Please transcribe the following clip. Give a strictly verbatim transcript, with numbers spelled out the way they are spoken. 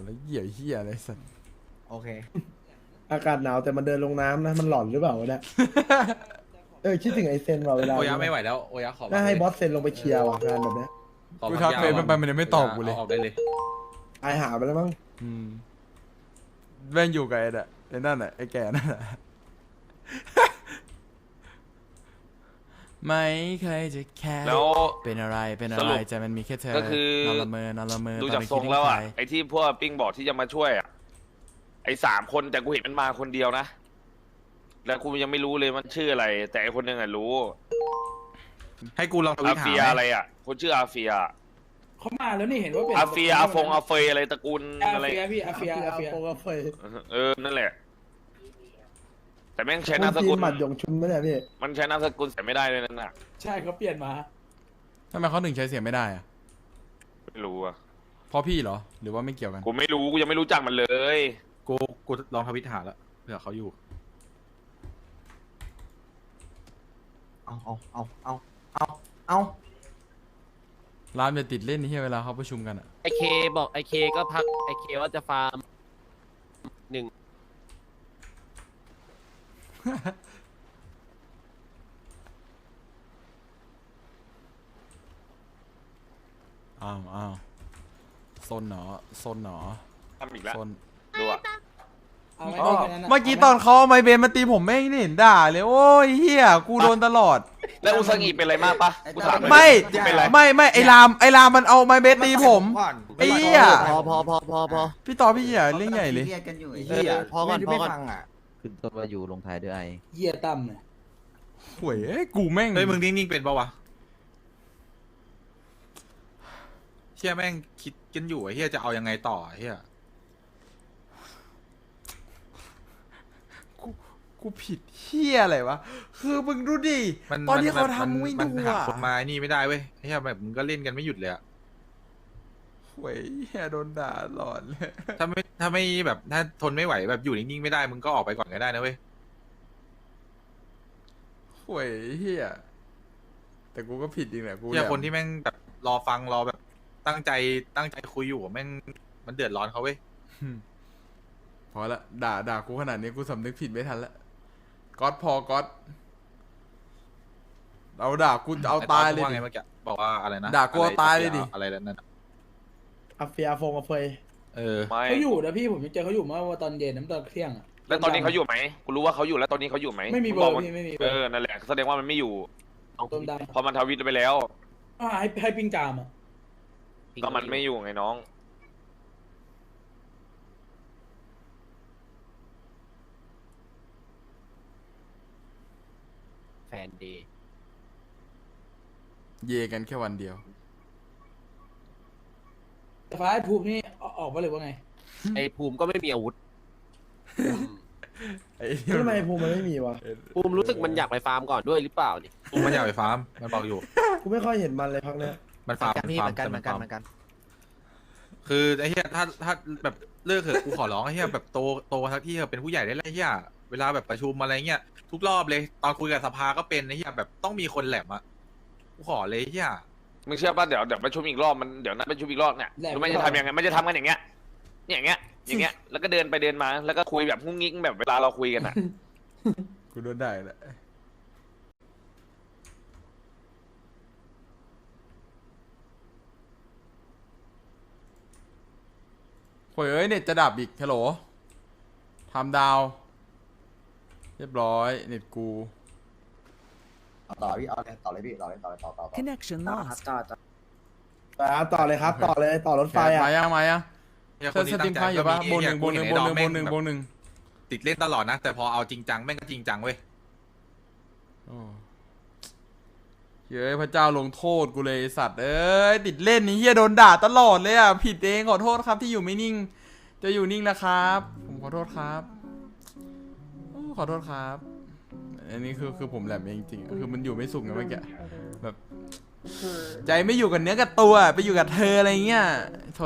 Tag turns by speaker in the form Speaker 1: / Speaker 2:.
Speaker 1: แล้วเหี้ยเหี้ยอะไรสัตว์
Speaker 2: โอเค
Speaker 3: อากาศหนาวแต่มันเดินลงน้ำนะมันหลอนหรือเปล่าวะเนี่ยเออคิดถึงไอเซนว่ะเวลา
Speaker 2: โอยะไม่ไหวแล้วโอยะขอ
Speaker 3: น่าให้บอสเซนลงไปเคลียร์ว่ะงานแบบเนี้ย
Speaker 2: ขอ
Speaker 1: กู
Speaker 2: พั
Speaker 1: ทัก
Speaker 2: ยา
Speaker 1: เฟซมันไปมันยังไม่ตอบกูเลย
Speaker 2: าออกได้เลย
Speaker 3: ตายหาไปแล้วมั้ง
Speaker 1: อืมแม่งอยู่กับไอ้น่ะไอ้นั่นน่ะไอ้แก่นั่นน่ะ ไม่เคยจะแค่
Speaker 4: แล้ว
Speaker 1: เป็นอะไรเป็นอะ
Speaker 4: สรุ
Speaker 1: ไร
Speaker 4: ป
Speaker 1: ใจมันมีแค่เธอ
Speaker 4: ก็คือน
Speaker 1: อนละเมอนอนละเมอ
Speaker 4: ดู
Speaker 1: ตอน
Speaker 4: จาก
Speaker 1: นี้
Speaker 4: ทรงแล้วอ่ะ
Speaker 1: คิดถึงใคร
Speaker 4: ไอ้ที่พวกปิ้งบอกที่จะมาช่วยอ่ะไอ้สามคนแต่กูเห็นมันมาคนเดียวนะแล้วกูยังไม่รู้เลยมันชื่ออะไร แต่ไอ้คนหนึงอ่ะรู้
Speaker 2: ให้กูลองทวิ
Speaker 4: อา
Speaker 2: ตหา
Speaker 4: เฟีย
Speaker 2: ไหม
Speaker 4: อะไรอ่ะคนชื่ออาเฟีย
Speaker 5: เขามาแล้วนี่เห็นว่าเป็น
Speaker 4: อาเฟียอาฟงอาเฟยอะไรตระกูล
Speaker 5: อา
Speaker 4: อะไร
Speaker 5: เฟียพี่อาเฟียอาเฟีย
Speaker 3: โปกาเฟย
Speaker 4: เออนั่นแหละ แต่แม่งใช้
Speaker 3: คุ
Speaker 4: นาม
Speaker 3: ณ
Speaker 4: ส
Speaker 3: จี
Speaker 4: กุ
Speaker 3: น
Speaker 4: ล
Speaker 3: หมัดหยงชุนไม่ได้พี่
Speaker 4: มันใช้นามสกุลแต่ไม่ได้เลยนั่นน่ะ
Speaker 5: ใช่เขาเปลี่ยนมา
Speaker 1: ทำไมเขาถึงใช้เสียงไม่ได้อะ
Speaker 4: ไม่รู้อ่ะ
Speaker 1: เพราะพี่เหรอหรือว่าไม่เกี่ยวกัน
Speaker 4: กูไม่รู้กูยังไม่รู้จักมันเลย
Speaker 2: กูกูลองทวิตหาแล้วเผื่อเขาอยู่ เอาเอาเอาเอาเอาเอา
Speaker 1: ร้านจะติดเล่นที่เวลาเขาประชุมกันอะ
Speaker 6: ไอเคบอกไอเคก็พักไอเคว่าจะฟาร์มหนึ่ง
Speaker 1: อ้าวอ้าวซนหนอซนหนอ
Speaker 4: ทำอีกแล้ว
Speaker 1: ซน
Speaker 4: ดูอ่ะ
Speaker 5: เอาไหม
Speaker 1: อ๋อ
Speaker 5: พี่คนนั้นน่ะ
Speaker 1: เมื่อกี้ตอนเขาเอาไมเบนมาตีผมไม่เห็นด่าเลยโอ้ยเฮียกูโดนตลอด
Speaker 4: แล้วอุซางิเป็นอะไรมากปะกูถามหน่อย
Speaker 1: ไม่
Speaker 4: เป็นไร
Speaker 1: ไม่ไม่ไอรามไอรามมันเอาไมเบนตีผม ไอ้เหี้ย
Speaker 6: พอพอพอพอพอ
Speaker 1: พี่ต่อพี่เหี้ยเรื่องใหญ่เลย
Speaker 2: กันอยู่
Speaker 6: เออพอก่อนพอก่อน
Speaker 7: ขึ้นต้นว่าอยู่ลงท้ายด้วยไอ
Speaker 5: เหี้ยตั้มเนี่ย
Speaker 1: หวยเอ้ยกูแม่ง
Speaker 2: เฮ้ยมึงนิ่งๆเป็นปะวะเฮียแม่งคิดกันอยู่ไอ้เฮียจะเอายังไงต่อไอ้เฮีย
Speaker 1: กูกูผิดเฮียอะไรวะคือมึงดูดิ
Speaker 2: มัน
Speaker 1: ตอนที่เขา
Speaker 2: มัน
Speaker 1: ทำไม่
Speaker 2: มัน
Speaker 1: ดู
Speaker 2: หา
Speaker 1: อะ
Speaker 2: คนมาไอ้นี่ไม่ได้เว้ยไอ้เฮียแบบมึงก็เล่นกันไม่หยุดเลยอะ
Speaker 1: หวยเฮียโดนด่าหลอนเลย
Speaker 2: ถ้าไม่ถ้าไม่แบบถ้าทนไม่ไหวแบบอยู่นิ่งๆไม่ได้มึงก็ออกไปก่อนก็ได้นะเว้ย
Speaker 1: หวยเฮียแต่กูก็ผิดจริงแหละกู
Speaker 2: เฮีย
Speaker 1: แหละ
Speaker 2: คนที่แม่งแบบรอฟังรอแบบตั้งใจตั้งใจคุยอยู่อะแม่งมันเดือดร้อนเขาเว้ย
Speaker 1: อืมพอละด่าด่ากูขนาดนี้กูสำนึกผิดไม่ทันละก๊อตพอก๊อตเราด่ากูเอาตายเลย
Speaker 2: ไอ้ตอน
Speaker 1: ดิ
Speaker 2: ว่าไงเมื่อกี้บอกว่าอะไรนะ
Speaker 1: ด่ากูเอาตายเลยดิ
Speaker 2: อะไรนั่นน่ะ
Speaker 3: อาเฟียอาฟงอาเฟย
Speaker 2: เออ
Speaker 4: ไม่
Speaker 5: เขาอยู่นะพี่ผมยังเจอเขาอยู่เมื่อตอนเย็นน้ำตอนเที่ยงอะ
Speaker 4: แล้วตอนนี้เขาอยู่ไหมกูรู้ว่าเขาอยู่แล้วตอนนี้เขาอยู่ไหม
Speaker 5: ไม่มีเบ
Speaker 4: ง
Speaker 5: อร์
Speaker 4: น
Speaker 5: พี่ไม่มีเบ
Speaker 4: เอ
Speaker 5: อร์
Speaker 4: อนั่นแหละแสดงว่ามันไม่อยู่
Speaker 5: ต้มด
Speaker 4: เพอมันทวิตไปแล้ว
Speaker 5: ำอ่าให้ให้ปิ้งจามอ่ะ
Speaker 4: ก็มันไม่อยู่ไงน้อง
Speaker 6: แฟนเดย์
Speaker 1: เยกันแค่วันเดียว
Speaker 5: แต่ฟ้าไอ้ภูมินี่อออกมาเลยว่าไง
Speaker 6: ไอภูมิก็ไม่มีอาวุธ
Speaker 1: ไอ้
Speaker 3: แล้วทำไมภูมิมันไม่มีวะ
Speaker 6: ภูมิรู้สึกมันอยากไปฟาร์มก่อนด้วยหรือเปล่านี่
Speaker 2: กูมันอยากไปฟาร์มมันบอกอยู่
Speaker 3: กูไม่ค่อยเห็นมันเลยพักเนี้ย
Speaker 2: มันฟาร์ม
Speaker 7: กันพี่
Speaker 2: ฟา
Speaker 7: เห
Speaker 2: ร์
Speaker 7: มือนกันเห
Speaker 2: แต่
Speaker 7: มือนกันเหมือนกัน
Speaker 2: คือไอ้เหี้ยถ้าถ้าแบบเลิกเถอะกูขอร้องไอ้เหี้ยแบบโตโตทักที่เถอะเป็นผู้ใหญ่ได้แล้วไอ้เหี้ยเวลาแบบประชุมอะไรเงี้ยทุกรอบเลยตอนคุยกับสภาก็เป็นไอ้เหี้ยแบบต้องมีคนแหลมอะกูขอเลยไอ้เหี้ย
Speaker 4: มึงเชื่อป่ะเดี๋ยวเดี๋ยวประชุมอีกรอบมันเดี๋ยวนัดประชุมอีกรอบเนี่ย
Speaker 5: แหลม
Speaker 4: รู้ไหมจะทำยังไงมันจะทำกันอย่างเงี้ยเนี่ยอย่างเงี้ยอย่างเงี้ยแล้วก็เดินไปเดินมาแล้วก็คุยแบบงุ้งงิ้งแบบเวลาเราคุยกันอ่ะ
Speaker 1: กูโดนได้แหละโอยเอ้ยเน็ตจะดับอีกฮัลโหลทำดาว เรียบร้อยเน็ตกู
Speaker 8: ต่อพี่เอาเลยต่อเลยพี่ต่อเลยต่อเลยต่อต่อต่อ
Speaker 7: connection
Speaker 8: ต่อ
Speaker 7: lost
Speaker 8: ต่อต่อ
Speaker 3: อ่ะต่อเลยครับต่อเลยต่อรถไฟ
Speaker 1: แก
Speaker 3: อ่ะ
Speaker 1: มายังมายัง
Speaker 2: เหี้ย
Speaker 1: เธอสตรีมไฟอยู่ปะบนหนึ่งบนหนึ่งบนหนึ่งบนหนึ่งบนหนึ่ง
Speaker 2: ติดเล่นตลอดนะ แต่พอเอาจริงจังแม่งก็จริงจังเว้ย
Speaker 1: โอ้เฮ้ยพระเจ้าลงโทษกูเลยไอ้สัตว์เอ้ยติดเล่นนี่เฮียโดนด่าตลอดเลยอ่ะผิดเองขอโทษครับที่อยู่ไม่นิ่ง จะอยู่นิ่งนะครับ ผมขอโทษครับโอ้ขอโทษครับ อันนี้คือคือผมแหลมเองจริงๆคือมันอยู่ไม่สุขไงเมื่อกี้แบบใจไม่อยู่กับเนื้อกับตัวไปอยู่กับเธออะไรเงี้ย